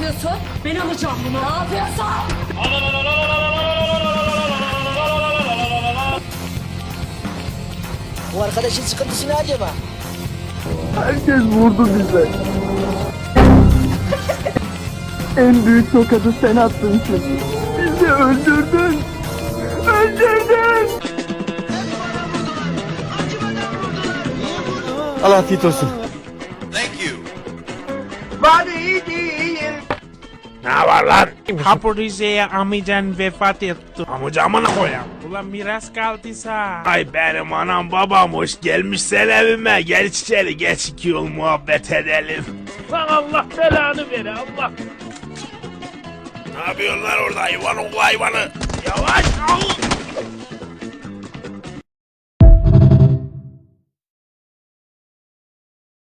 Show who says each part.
Speaker 1: yapıyorsun? Ben alacağım bunu. Ne yapıyorsun?
Speaker 2: Bu arkadaşın sıkıntısı ne acaba?
Speaker 3: Herkes vurdu bize. En büyük tokadı sen attın çünkü. Bizi öldürdün. Öldürdün.
Speaker 4: Allah afiyet olsun.
Speaker 5: Ne var lan? Kapı Rize'ye amcan vefat etti. Amcamına koyam. Ulan miras kaldıysa. Ay benim anam babam hoş gelmişsen evime. Gel içeri geç 2 yol muhabbet edelim. Lan Allah belanı ver Allah. Ne yapıyorsun lan orada hayvan oğlu hayvanı? Yavaş al.